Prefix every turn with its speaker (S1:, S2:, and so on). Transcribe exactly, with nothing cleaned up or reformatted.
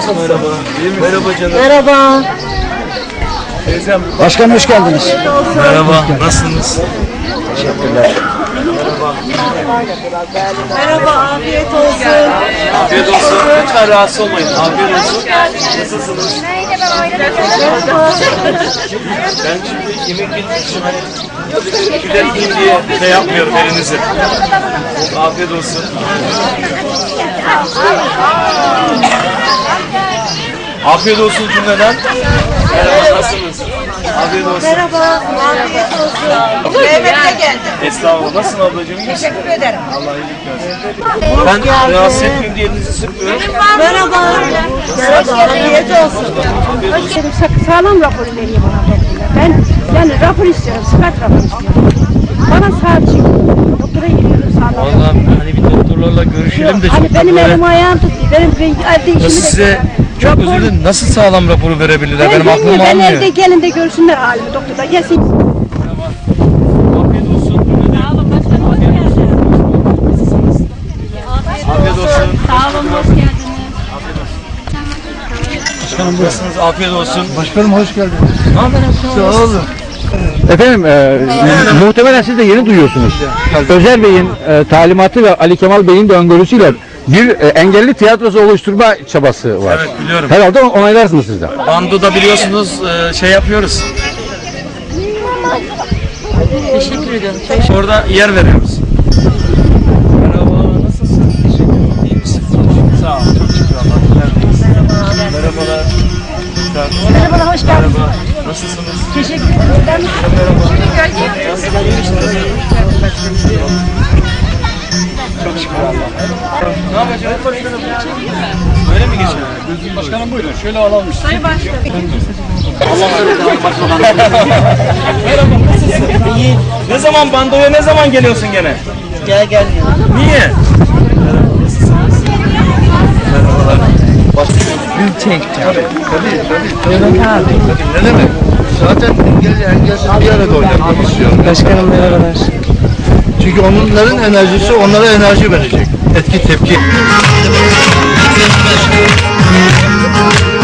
S1: Merhaba. Merhaba canım.
S2: Merhaba.
S1: Teyzem.
S3: Başkanım hoş geldiniz.
S1: Merhaba. Nasılsınız?
S3: Teşekkürler.
S2: Merhaba, afiyet olsun.
S1: Afiyet olsun. Lütfen rahatsız olmayın. Afiyet olsun. Nasılsınız? Ben şimdi yemek yediğim için hani kületmeyeyim diye şey yapmıyorum elinizi. Afiyet olsun. Afiyet olsun cümleden. Merhaba, nasılsınız? Afiyet olsun.
S2: Merhaba, afiyet olsun.
S4: Mehmet'e geldim.
S1: Estağfurullah. Nasılsın ablacığım? İyi misin?
S4: Teşekkür ederim.
S1: Allah iyilik versin. Ben rahatsız etmeyeyim diye elinizi sıkmıyorum.
S2: Merhaba. Merhaba, afiyet olsun.
S5: Sağlam rapor veriyor bana doktorlar. Ben yani rapor istiyorum, sıfat rapor istiyorum. Bana sağ çık. Doktora gidiyorum sağlam.
S1: Vallahi hani bir doktorlarla görüşelim de
S5: Hani
S1: çok
S5: benim
S1: böyle...
S5: elim ayağım tutuyor. Benim evde işimi de...
S1: Size çok
S5: Rapor-
S1: özür dilerim. Nasıl sağlam raporu verebilirler?
S5: Ben
S1: Benim aklım
S5: bilmiyorum, ben
S1: almıyor.
S5: evde gelin de görsünler halimi doktorda. Gelsin.
S1: Afiyet olsun. Sağ olun başkanım. Afiyet olsun.
S5: Sağ olun, hoş geldiniz.
S3: Başkanım buyurun.
S1: Nasılsınız? Afiyet olsun.
S3: Başkanım hoş geldiniz.
S1: Sağ olun.
S6: Efendim e, muhtemelen siz de yeni duyuyorsunuz. Özer Bey'in e, talimatı ve Ali Kemal Bey'in de öngörüsüyle bir e, engelli tiyatrosu oluşturma çabası var.
S1: Evet, biliyorum.
S6: Herhalde onaylarsınız siz de.
S1: Bando'da biliyorsunuz e, şey yapıyoruz.
S2: Teşekkür ederim.
S1: Orada yer veriyoruz. Merhaba, nasılsın? Teşekkür ederim. İyi misin? Sağ ol, çok şükür Allah. Merhabalar.
S5: Merhaba, hoş geldiniz.
S1: Merhaba, nasılsınız?
S5: Teşekkür ederim.
S1: Çok şükür Allah. Ne yapacağız? Böyle mi geçiyor?
S3: Başkanım buyurun şöyle alalım işte.
S2: Sayın Başkanım.
S1: Merhaba, nasılsın? İyi. Ne zaman bandoya ne zaman geliyorsun gene?
S2: Gel gel.
S1: Niye?
S3: Bir çek. Tabii tabii. Tabii tabii. Ne demek? Zaten engelli engelsiz bir arada oynamak istiyorum.
S2: Başkanım merhabalar.
S3: Çünkü onların enerjisi onlara enerji verecek. Etki tepki.